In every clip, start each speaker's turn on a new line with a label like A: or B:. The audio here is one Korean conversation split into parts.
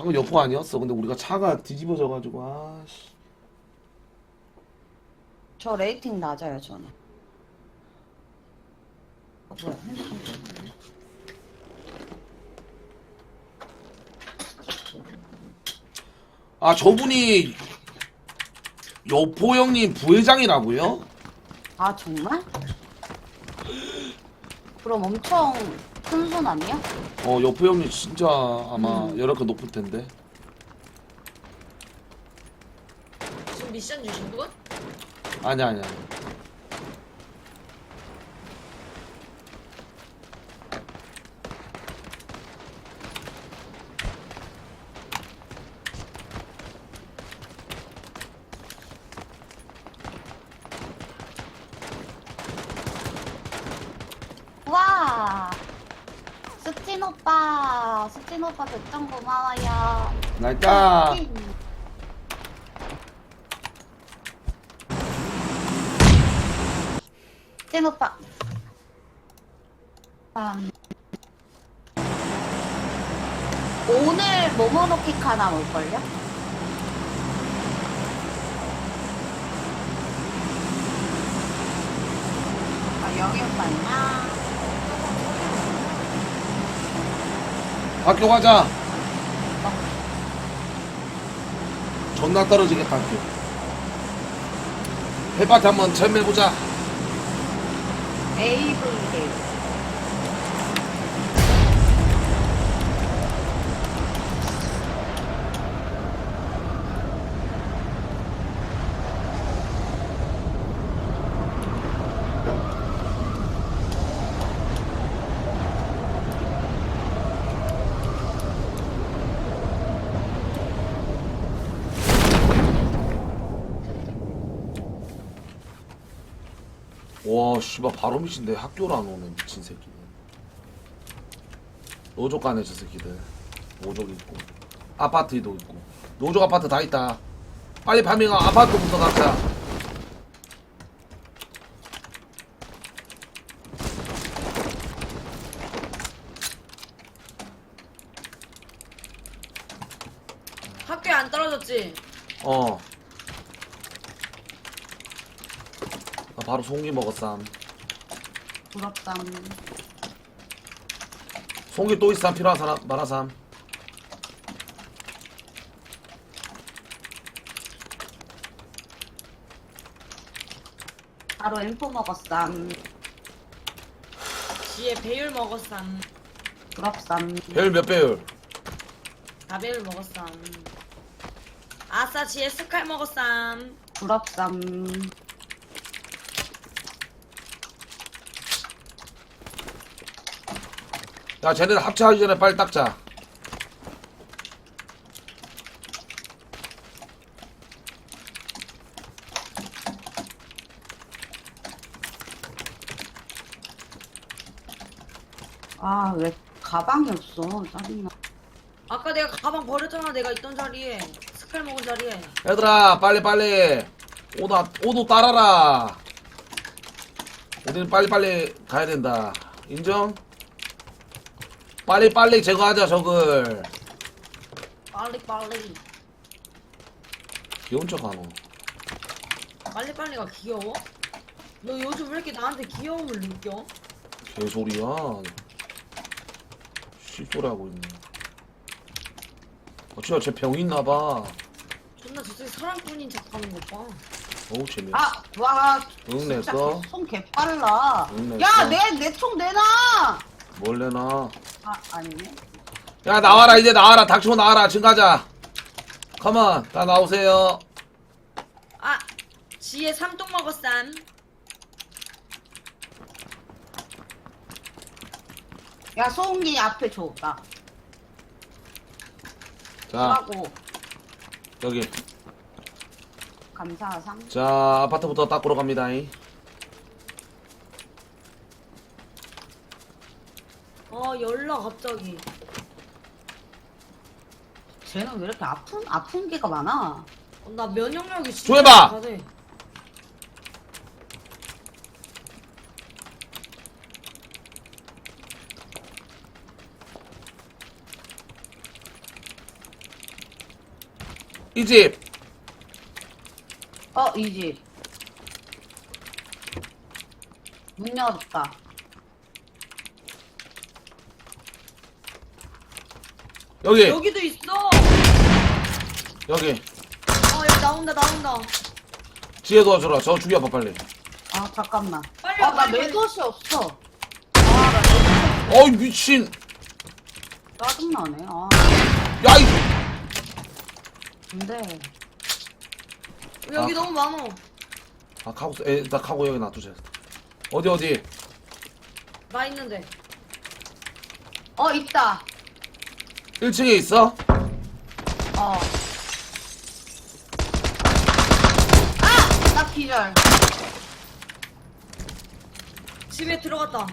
A: 방금 여포 아니었어. 근데 우리가 차가 뒤집어져가지고 아씨.
B: 저 레이팅 낮아요, 저는. 뭐야, 핸드폰 끄네.
A: 아 저분이 여포 형님 부회장이라고요?
B: 아, 정말? 그럼 엄청 큰 손 아니야?
A: 여포 형님 진짜 아마 연락가 높을 텐데.
C: 지금 미션 주신 분?
A: 아니야.
B: 와! 스틴 오빠 백점 고마워요.
A: 날까?
B: 스틴 오빠. 오늘 모모노킥 하나 올걸요? 아, 영희 오빠 있나?
A: 학교 가자. 존나 떨어지겠다 학교. 해밭 한번 체험해보자.
B: AVL.
A: 와 씨발 바로 미친데 학교를 안 오네 미친 새끼는. 노조 가네 저 새끼들. 노조 있고 아파트도 있고 노조 아파트 다 있다. 빨리 파밍아 아파트부터 가자.
C: 학교에 안 떨어졌지?
A: 나 바로 송기 먹었삼.
B: 부럽다.
A: 송기 또 있삼 필요한 사람 말하삼.
B: 바로 엠포 먹었삼.
C: 지에 배율 먹었삼.
B: 부럽삼.
A: 배율 몇 배율?
C: 4배율 먹었삼. 아싸 지에 스칼 먹었삼.
B: 부럽삼.
A: 야 쟤네들 합체하기 전에 빨리 닦자.
B: 아, 왜 가방이 없어? 짜증나.
C: 아까 내가 가방 버렸잖아. 내가 있던 자리에. 스칼 먹은 자리에.
A: 얘들아 빨리 오도 따라라. 우리는 빨리 가야 된다. 인정? 빨리 제거하자 적을.
C: 빨리.
A: 귀여운 척 하노.
C: 빨리가 귀여워? 너 요즘 왜 이렇게 나한테 귀여움을 느껴?
A: 개소리야. 씹소리 하고 있네. 진짜 쟤 병 있나봐.
C: 존나 저새 사랑꾼인 척하는 것 봐.
A: 어우 재미없어.
B: 아, 와.
A: 응,
B: 진짜
A: 냈어?
B: 손 개빨라.
A: 응,
B: 야,
A: 냈어?
B: 내 총 내놔!
A: 뭘 내놔.
B: 아, 아니네.
A: 야 나와라 이제 나와라. 닥치고 나와라. 지금 가자. 컴온 다 나오세요.
C: 아, 지에 삼동 먹었삼.
B: 야, 소은기 앞에 줘. 나.
A: 자
B: 하고
A: 여기.
B: 감사상.
A: 자 아파트부터 닦으러 갑니다.
C: 열나 갑자기.
B: 쟤는 왜 이렇게 아픈 게가 많아?
C: 나 면역력이 진짜
A: 조회봐!
C: 약하대.
A: 이 집.
B: 이 집. 문 열었다.
A: 여기.
C: 여기도 있어.
A: 여기.
C: 여기 나온다.
A: 지혜 도와줘라. 저 죽여봐 빨리.
B: 아, 잠깐만.
C: 빨리
B: 나
C: 와, 빨리.
B: 레드옷이 없어. 나 레드옷이
A: 어이 미친.
B: 짜증나네.
A: 야 이.
B: 근데,
C: 여기
A: 아.
C: 너무 많어.
A: 아 카고 나 카고 여기 놔두자. 어디.
C: 나 있는데.
B: 있다.
A: 1층에 있어?
B: 나 기절.
C: 집에 들어갔다.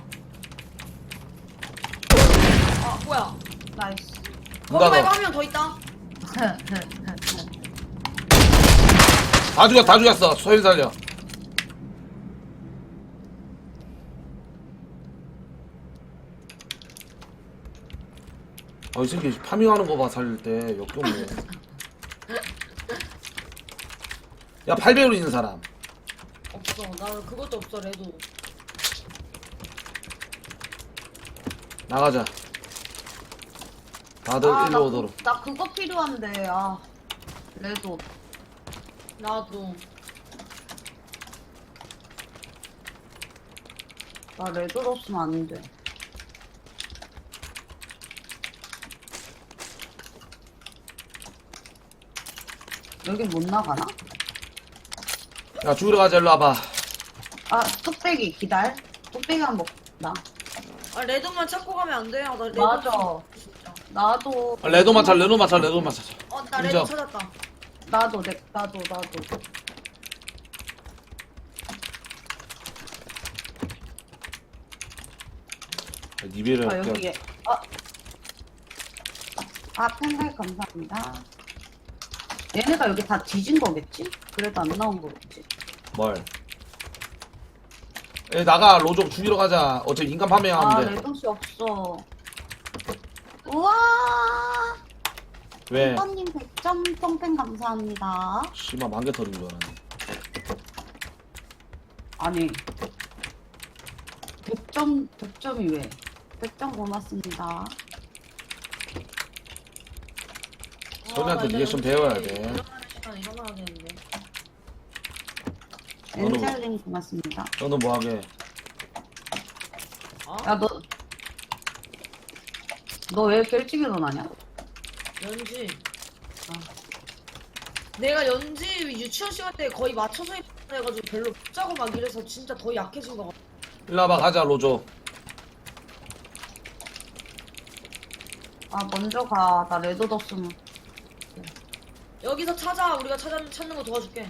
C: 뭐야?
B: 나이스.
A: 문
C: 거기 말고
A: 닫아.
C: 한 명 더 있다.
A: 다 죽였어. 소인 살려. 이 새끼 파밍하는 거 봐 살릴 때 역겹네. 야 8배율 있는 사람.
C: 없어. 나 그것도 없어. 레도.
A: 나가자. 다들 일로 오도록.
B: 나 그거 필요한데, 레드.
C: 나도.
B: 나 레드 없으면 안 돼. 여긴 못 나가나?
A: 야 죽으러 가자. 일로 와봐.
B: 뚝배기 기다려. 뚝배기 한번 먹자.
C: 레도만 찾고 가면 안 돼. 나 레도.
B: 맞아.
C: 진짜.
B: 나도.
A: 레도만 찾.
C: 나 레도
A: 인정.
C: 찾았다.
B: 나도.
A: 니베를
B: 여기에. 팬들 감사합니다. 얘네가 여기 다 뒤진 거겠지? 그래도 안 나온 거겠지?
A: 뭘? 나가. 로족 죽이러 가자. 어차피 인간 파밍하면 돼.
B: 레동씨 없어. 우와!
A: 왜?
B: 이번님 100점 똥팬 감사합니다.
A: 씨발 만개 터진 줄 알았네.
B: 아니 100점이 왜? 100점 고맙습니다.
A: 소리한테
C: 나
A: 리액션
C: 이제
A: 배워야
C: 연습
A: 돼.
C: 일어나는 시간에 일어나야 되는데.
B: 엔젤님 고맙습니다.
A: 너는 뭐하게?
B: 야 너 왜 이렇게 일찍 일어나냐?
C: 연지. 내가 연지 유치원 시간 때 거의 맞춰서 해가지고 별로 못 자고 막 이래서 진짜 더 약해진 거 같아.
A: 일로 와봐. 가자 로족.
B: 먼저 가. 나 레드 뒀으면.
C: 여기서 찾아. 우리가 찾는 거 도와줄게.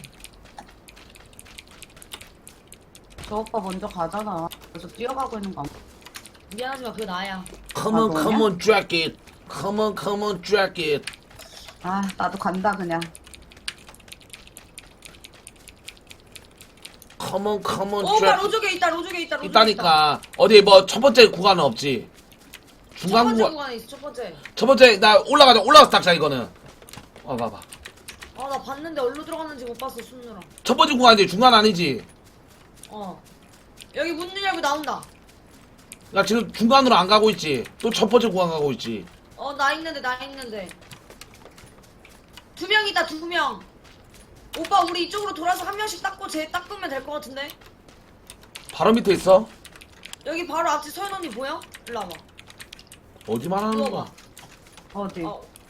B: 저 오빠 먼저 가잖아. 그래서 뛰어가고 있는 거.
C: 미안하지만 그게 나야.
A: Come on,
B: 너냐?
A: come on, drag it. Come on, drag it.
B: 나도 간다 그냥.
A: Come on,
C: 오빠
A: drag it.
C: 로족에 있다. 로족에 있다.
A: 있다니까. 어디 뭐 첫 번째 구간은 없지.
C: 첫
A: 중간
C: 번째
A: 구간.
C: 구간에 있어. 첫 번째.
A: 첫 번째 나 올라가서 닥자 이거는. 봐봐.
C: 나 봤는데 어디로 들어갔는지 못 봤어. 숨느라.
A: 첫 번째 구간이지 중간 아니지.
C: 여기 문 열고 나온다.
A: 나 지금 중간으로 안 가고 있지. 또 첫 번째 구간 가고 있지.
C: 나 있는데. 2명 있다. 2명. 오빠 우리 이쪽으로 돌아서 한 명씩 닦고 쟤 닦으면 될 것 같은데.
A: 바로 밑에 있어.
C: 여기 바로 앞에 서연 언니 보여? 일로 와봐.
A: 어디 말하는
C: 누워봐.
A: 거야?
B: 어디?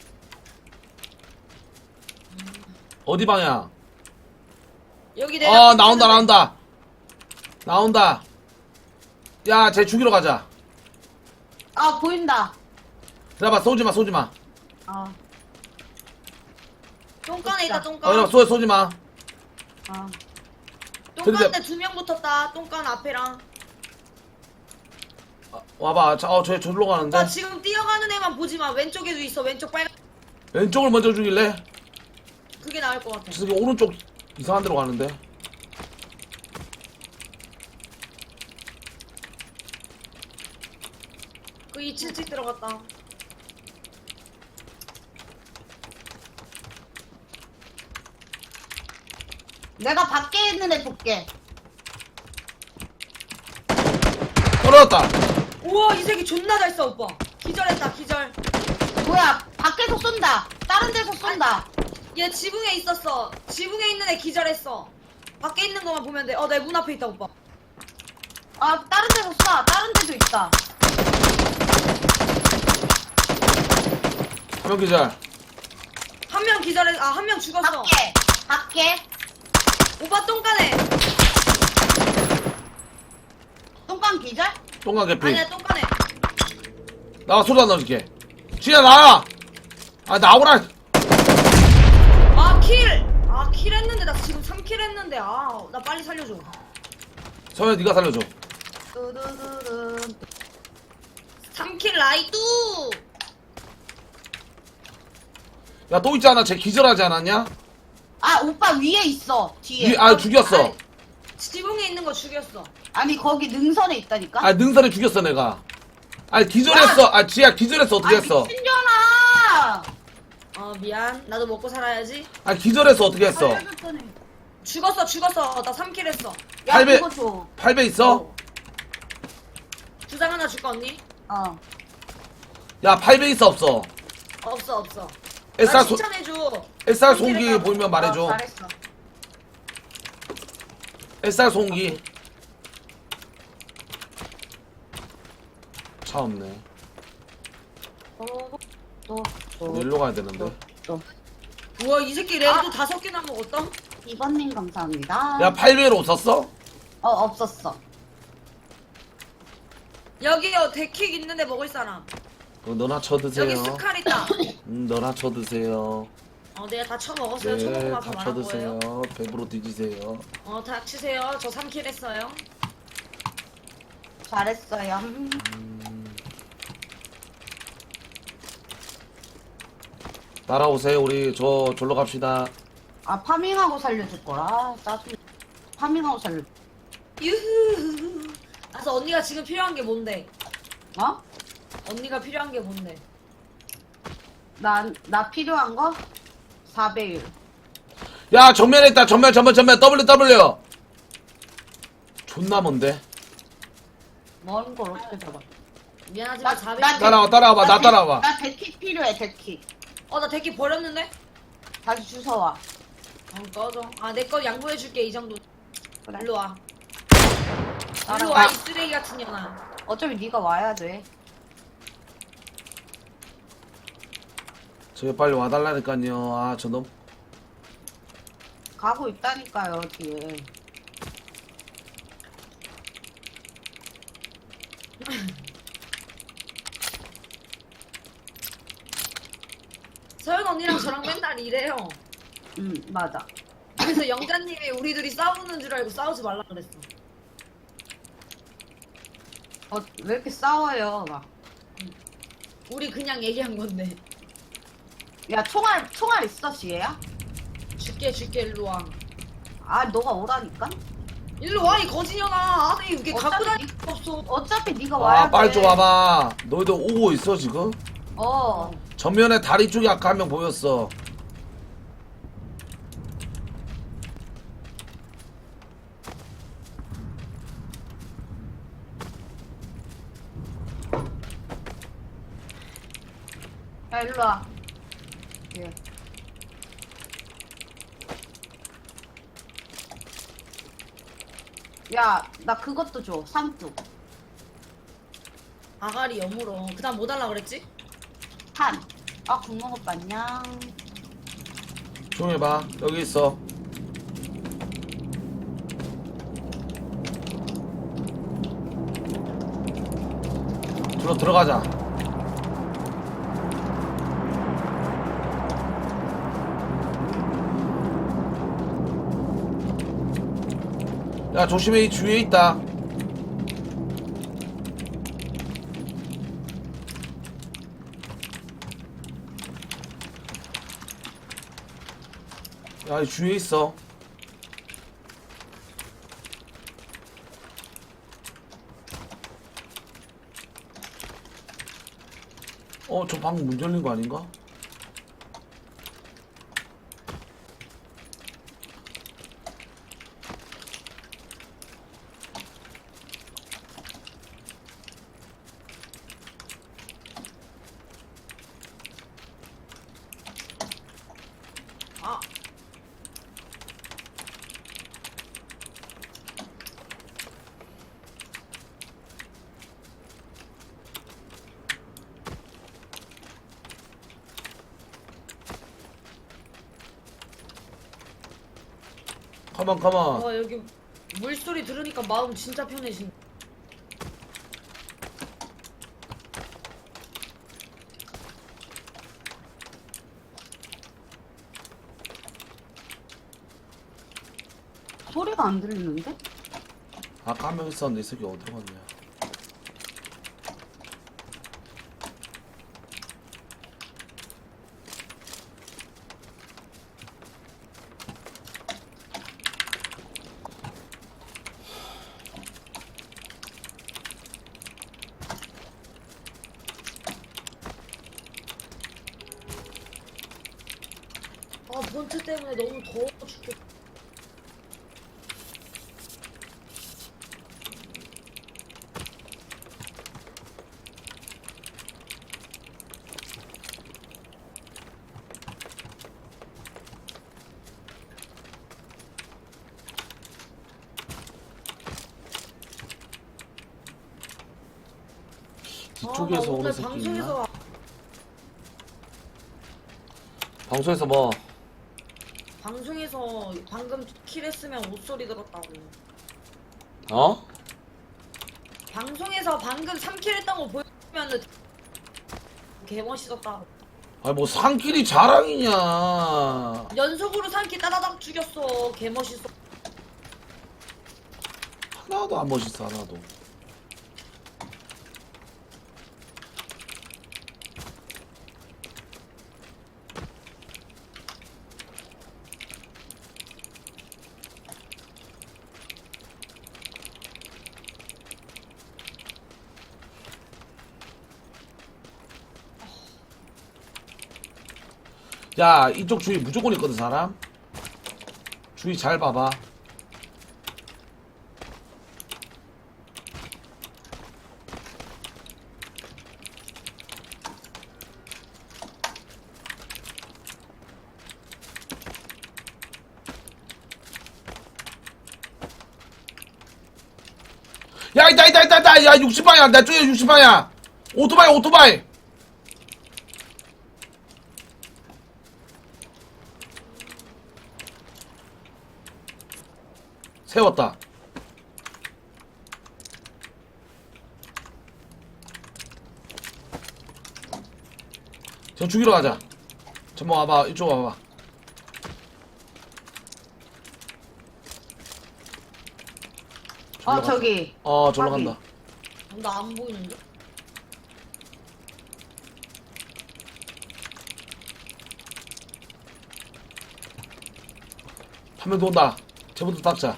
A: 어디 방향?
C: 여기 내가
A: 나온다. 야, 쟤 죽이러 가자.
B: 보인다.
A: 기다려봐. 쏘지 마.
C: 똥간에 있다. 똥간.
A: 이러면 쏘지 마.
C: 똥간에 2명 붙었다. 똥간 앞에랑.
A: 와봐. 저 절로 가는데.
C: 나 지금 뛰어가는 애만 보지 마. 왼쪽에도 있어. 왼쪽 빨간.
A: 왼쪽을 먼저 죽일래?
C: 그게 나을 것 같아.
A: 저 새끼 오른쪽 이상한 데로 가는데.
C: 그 2층 들어갔다.
B: 내가 밖에 있는 애 볼게.
A: 떨어졌다.
C: 우와 이 새끼 존나 잘 써 오빠. 기절했다 기절.
B: 뭐야, 밖에서 쏜다. 다른 데서 쏜다.
C: 얘 지붕에 있었어. 지붕에 있는 애 기절했어. 밖에 있는 것만 보면 돼. 내 문 앞에 있다 오빠.
B: 아, 다른 데서 쏴. 다른 데도 있다.
A: 한 명 기절.
C: 한 명 기절해. 한 명 죽었어.
B: 밖에.
C: 오빠 똥간에.
B: 똥강 기절?
A: 똥강 개피.
C: 아니야 똥간에.
A: 나가 소리 안 넣어줄게. 진짜 나와. 아 나오라.
C: 킬 했는데 나 지금 3킬 했는데 나 빨리 살려줘.
A: 서현 네가 살려줘.
B: 뚜두두둔.
C: 3킬 라이뚜.
A: 야 또 있잖아. 쟤 기절하지 않았냐?
B: 아, 오빠 위에 있어. 뒤에.
A: 죽였어.
C: 아니, 지붕에 있는 거 죽였어.
B: 아니, 거기 능선에 있다니까?
A: 아 능선에 죽였어 내가. 아니 기절했어. 아 지야 기절했어. 어떻게 했어?
B: 미친년아!
C: 미안. 나도 먹고 살아야지.
A: 아 기절했어. 어떻게 했어?
B: 살려줬더니.
C: 죽었어. 나 3킬 했어.
B: 야,
A: 팔배-
B: 그거 줘.
A: 8배 있어?
C: 주장 하나 줄까 언니?
B: 어.
A: 야 8배 있어 없어?
C: 없어.
A: SR
C: 나
A: 소
C: 칭찬해줘.
A: SR
C: 3킬
A: 송기
C: 했다고.
A: 보이면 말해줘.
B: 잘했어.
A: SR 송기. 차 없네. 일로 가야 되는데.
C: 우와 이 새끼 레드 5개나 먹었다.
B: 2번님 감사합니다.
A: 야 8배로 썼어?
B: 없었어.
C: 여기요 데킥 있는데 먹을 사람.
A: 너나 쳐드세요.
C: 여기 스칼 있다.
A: 너나 쳐드세요.
C: 내가 다 쳐먹었어요. 쳐먹고
A: 네,
C: 나서
A: 다
C: 말한
A: 쳐드세요.
C: 거예요.
A: 배부로 뒤지세요.
C: 닥치세요. 저 3킬 했어요.
B: 잘했어요.
A: 따라오세요. 우리 졸로 갑시다.
B: 아, 파밍하고 살려줄 거라. 짜증. 파밍하고 살려.
C: 유후. 그래서 언니가 지금 필요한 게 뭔데?
B: 어?
C: 언니가 필요한 게 뭔데?
B: 나 필요한 거? 4배율.
A: 야 정면에 있다. 정면 W. 존나 먼데.
B: 먼 걸 어떻게 잡아?
C: 미안하지만
B: 나-
C: 400.
B: 나-
A: 따라와봐. 나 따라와봐.
B: 나 데킥 필요해, 데킥.
C: 나 데킥 버렸는데?
B: 다시 주워와.
C: 꺼져. 내 거 양보해줄게 이 정도.
B: 그래.
C: 일로 와. 일로
B: 따라와.
C: 와 이 쓰레기 같은 년아.
B: 어차피 네가 와야 돼.
A: 저기 빨리 와달라니까요. 아 저놈.
B: 가고 있다니까요, 뒤에.
C: 서연 언니랑 저랑 맨날 이래요.
B: 맞아.
C: 그래서 영자님이 우리 둘이 싸우는 줄 알고 싸우지 말라 그랬어.
B: 왜 이렇게 싸워요, 막.
C: 우리 그냥 얘기한 건데.
B: 야, 총알 있어, 지혜야?
C: 줄게 일로 와.
B: 아, 너가 오라니까?
C: 일로 와 이 거지년아. 아니 이게 갖고
B: 어차피
C: 다닐 거 없어.
B: 어차피 네가 와야
A: 아
B: 돼.
A: 빨리 좀 와봐. 너희들 오고 있어 지금?
B: 어.
A: 전면에 다리 쪽에 아까 한 명 보였어.
B: 야, 일로 와. 예. 야, 나 그것도 줘. 삼뚝.
C: 아가리 여물어. 그다음 뭐 달라 그랬지?
B: 탄. 아, 국먹 오빠 안녕.
A: 조용히 해봐. 여기 있어. 들어가자. 야 조심해. 이 주위에 있다. 야 이 주위에 있어. 저 방금 문 열린 거 아닌가? 컴온.
C: 와 여기 물소리 들으니까 마음 진짜 편해진.
B: 소리가 안 들리는데?
A: 아까 한 명 있었는데 이 새끼 어디로 갔냐.
C: 아 본체 때문에 너무 더워 죽겠.
A: 뒤쪽에서
C: 나
A: 오는
C: 오늘
A: 새끼
C: 방송에서
A: 있나? 방송에서 뭐
C: 방송에서 방금 킬했으면 옷소리 들었다고.
A: 어?
C: 방송에서 방금 3킬 했던 거 보여주면은 개멋있었다.
A: 아니 뭐 상길이 자랑이냐.
C: 연속으로 3킬 따다닥 죽였어. 개멋있어.
A: 하나도 안 멋있어 하나도. 야 이쪽 주위 무조건 있거든 사람. 주위 잘 봐봐. 야 있다 야 60방향 내 쪽에 60방향 오토바이 세웠다. 저 죽이러 가자. 전모 와봐 이쪽 와봐.
B: 아 저기
A: 절로
B: 확인.
A: 간다.
C: 나 안 보이는데?
A: 한 명 더 온다. 쟤부터 닦자.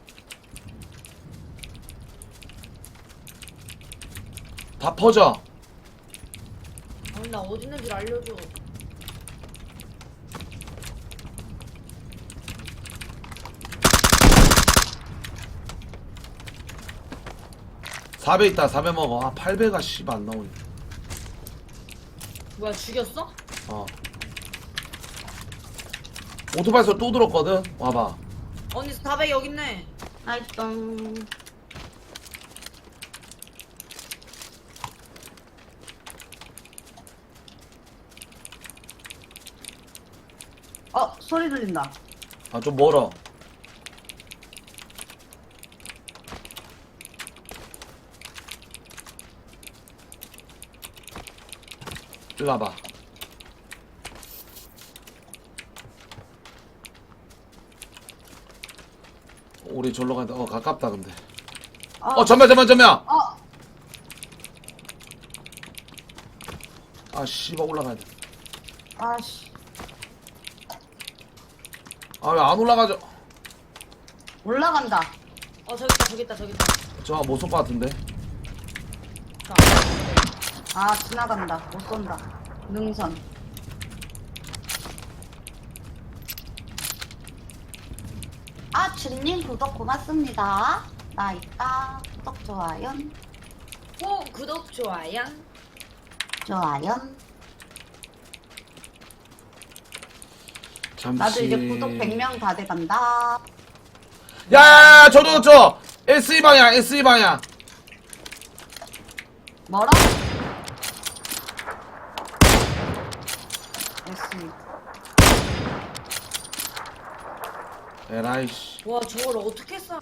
A: 다 퍼져.
C: 아니 나 어디 있는지 알려줘.
A: 사배 있다. 4배 먹어. 아 8배가 씨발 안 나오네.
C: 뭐야 죽였어?
A: 어. 오토바이에서 또 들었거든. 와봐.
C: 언니 400 여기 있네.
B: 아이똥. 소리 들린다.
A: 아 좀 멀어. 일로 와봐. 우리 절로 간다. 가깝다 근데. 전면.
B: 어,
A: 아 씨발 올라가야 돼.
B: 아씨.
A: 아 왜 안 올라가죠?
B: 올라간다.
C: 저기 있다.
A: 저 못 쏠 것 같은데.
C: 자,
B: 아, 지나간다. 못 쏜다. 능선. 주님 구독 고맙습니다. 나 있다. 구독, 좋아요.
C: 구독 좋아요.
B: 좋아요.
A: 잠시.
B: 나도 이제 구독 100명 다 돼간다.
A: 야, 저 SE 방향.
B: 뭐라? SE.
A: 에라이씨.
C: 와 저걸 어떻게 쏴?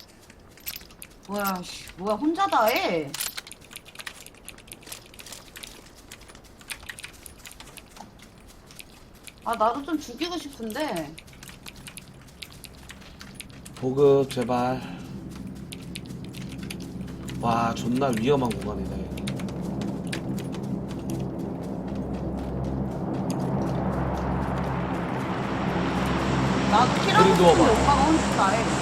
B: 뭐야, 씨, 뭐야, 혼자 다 해. 아, 나도 좀 죽이고 싶은데.
A: 보급 제발. 와 존나 위험한 공간이네.
B: 나도 키라고
A: 그림
B: 싶은데
A: 누워봐.
B: 오빠가 혼자 다 해.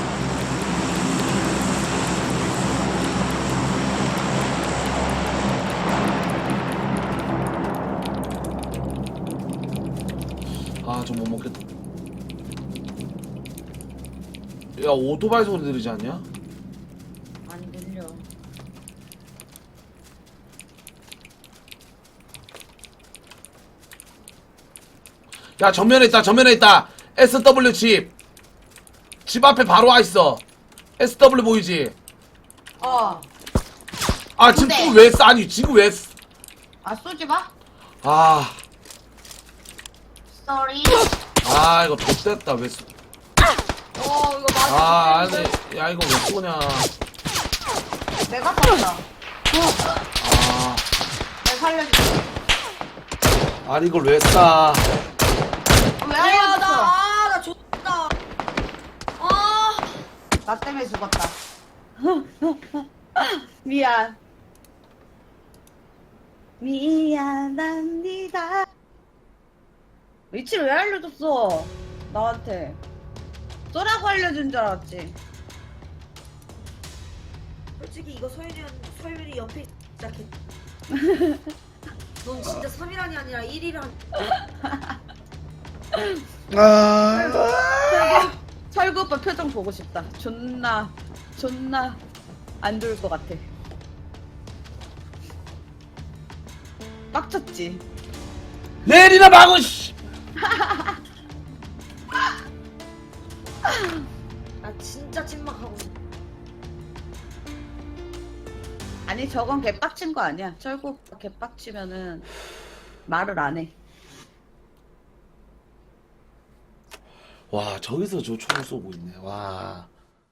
A: 아 저 못 먹겠다. 야 오토바이 소리 들리지 않냐?
C: 안 들려.
A: 야 전면에 있다 전면에 있다. SW 집 앞에 바로 와 있어. SW 보이지?
B: 어.
A: 아 지금
B: 근데-
A: 또 왜 쏴? 아니 지금 왜 쏴?
B: 아, 쏘지 마.
A: 아,
B: 쏘리.
A: 아 이거 좆됐다 왜 쏘?
C: 이거 맞아.
A: 아 아니 야 이거 왜 쏘냐?
B: 내가 쏜다.
A: 아
B: 내가 살려줄게.
A: 아니 이걸 왜 쏴?
B: 왜 알려줬어?
C: 나 줬다. 아.
B: 나 때문에 죽었다. 미안. 미안합니다. 위치를 왜 알려줬어? 나한테. 쏘라고 알려준 줄 알았지.
C: 솔직히 이거 소율이 옆에 시작했. 넌 진짜 3이란이 아니라 1이란.
B: 철구 오빠 표정 보고 싶다. 존나 안 좋을 것 같아. 빡쳤지.
A: 내리나 마고 씨.
C: 나 진짜 찐막하고 있어.
B: 아니 저건 개빡친 거 아니야. 철구 오빠 개빡치면은 말을 안 해.
A: 와 저기서 저 총을 쏘고 있네. 와.